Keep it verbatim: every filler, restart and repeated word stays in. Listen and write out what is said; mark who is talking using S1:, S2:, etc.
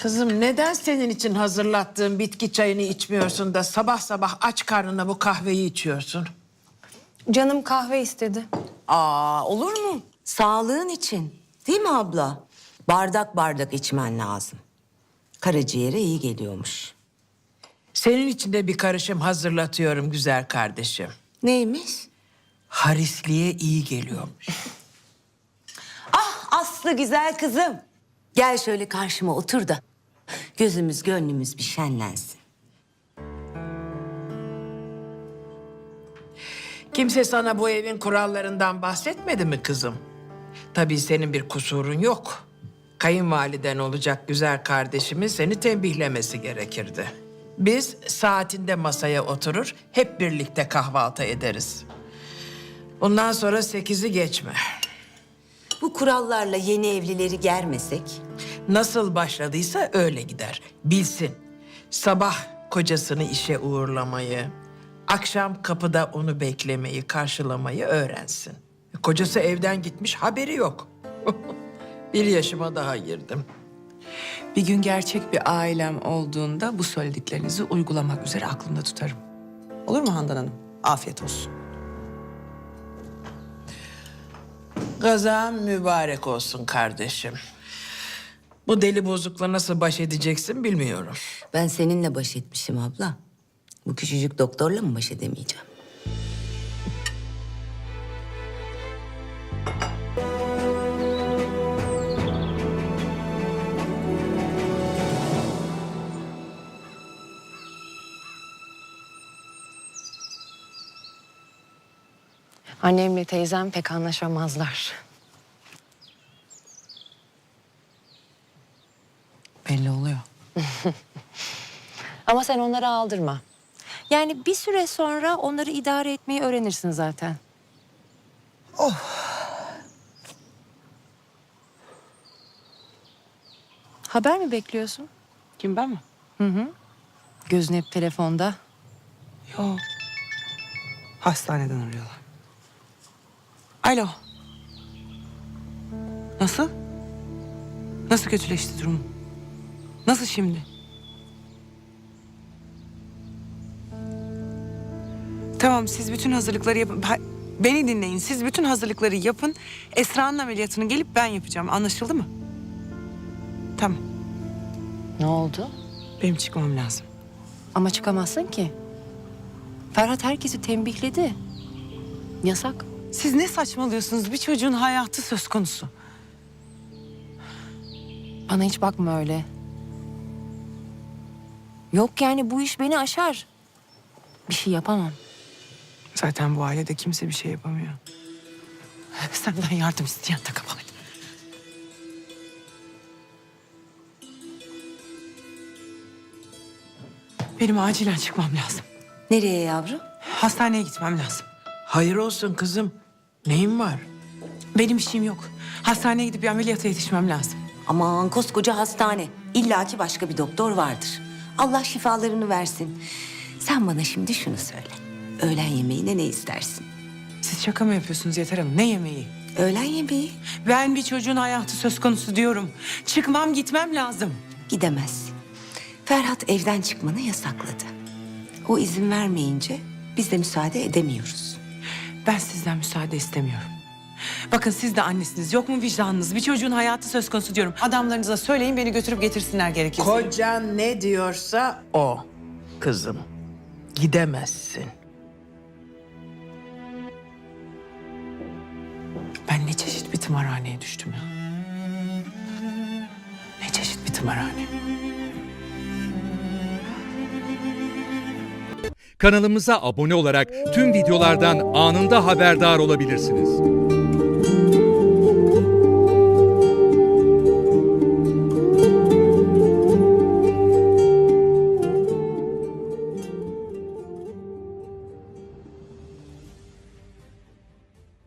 S1: Kızım neden senin için hazırlattığım bitki çayını içmiyorsun da sabah sabah aç karnına bu kahveyi içiyorsun?
S2: Canım kahve istedi.
S3: Aa, olur mu? Sağlığın için. Değil mi abla? Bardak bardak içmen lazım. Karaciğere iyi geliyormuş.
S1: Senin için de bir karışım hazırlatıyorum güzel kardeşim.
S3: Neymiş?
S1: Harisliğe iyi geliyormuş.
S3: Ah Aslı güzel kızım. Gel şöyle karşıma otur da gözümüz gönlümüz bir şenlensin.
S1: Kimse sana bu evin kurallarından bahsetmedi mi kızım? Tabii senin bir kusurun yok. Kayınvaliden olacak güzel kardeşimin seni tembihlemesi gerekirdi. Biz saatinde masaya oturur, hep birlikte kahvaltı ederiz. Bundan sonra sekizi geçme.
S3: Bu kurallarla yeni evlileri germesek?
S1: Nasıl başladıysa öyle gider. Bilsin. Sabah kocasını işe uğurlamayı, akşam kapıda onu beklemeyi, karşılamayı öğrensin. Kocası evden gitmiş, haberi yok. Bir yaşıma daha girdim.
S4: Bir gün gerçek bir ailem olduğunda bu söylediklerinizi uygulamak üzere aklımda tutarım. Olur mu Handan Hanım? Afiyet olsun.
S1: Gazan mübarek olsun kardeşim. Bu deli bozukla nasıl baş edeceksin bilmiyorum.
S3: Ben seninle baş etmişim abla. Bu küçücük doktorla mı baş edemeyeceğim?
S2: Annemle teyzem pek anlaşamazlar.
S4: Belli oluyor.
S2: Ama sen onları aldırma. Yani bir süre sonra onları idare etmeyi öğrenirsin zaten. Haber mi bekliyorsun?
S4: Kim, ben mi?
S2: Gözün hep telefonda.
S4: Yok. Hastaneden arıyorlar. Alo. Nasıl? Nasıl kötüleşti durum? Nasıl şimdi? Tamam, siz bütün hazırlıkları yapın. Ha, beni dinleyin. Siz bütün hazırlıkları yapın. Esra'nın ameliyatını gelip ben yapacağım. Anlaşıldı mı? Tamam.
S2: Ne oldu?
S4: Benim çıkmam lazım.
S2: Ama çıkamazsın ki. Ferhat herkesi tembihledi. Yasak.
S4: Siz ne saçmalıyorsunuz? Bir çocuğun hayatı söz konusu.
S2: Bana hiç bakma öyle. Yok yani bu iş beni aşar. Bir şey yapamam.
S4: Zaten bu ailede kimse bir şey yapamıyor. Senden yardım isteyen de kabahat. Benim acilen çıkmam lazım.
S3: Nereye yavrum?
S4: Hastaneye gitmem lazım.
S1: Hayır olsun kızım. Neyin var?
S4: Benim işim yok. Hastaneye gidip bir ameliyata yetişmem lazım.
S3: Aman koskoca hastane. İlla ki başka bir doktor vardır. Allah şifalarını versin. Sen bana şimdi şunu söyle. Öğlen yemeğine ne istersin?
S4: Siz şaka mı yapıyorsunuz Yeter Hanım? Ne yemeği?
S3: Öğlen yemeği
S4: Ben bir çocuğun hayatı söz konusu diyorum. Çıkmam, gitmem lazım.
S3: gidemezsin. Ferhat evden çıkmanı yasakladı. O izin vermeyince biz de müsaade edemiyoruz.
S4: Ben sizden müsaade istemiyorum. Bakın siz de annesiniz. Yok mu vicdanınız? Bir çocuğun hayatı söz konusu diyorum. Adamlarınıza söyleyin, beni götürüp getirsinler gerekirse.
S1: Kocan ne diyorsa o kızım. Gidemezsin.
S4: Ben ne çeşit bir tımarhaneye düştüm ya. Ne çeşit bir tımarhane.
S5: Kanalımıza abone olarak tüm videolardan anında haberdar olabilirsiniz.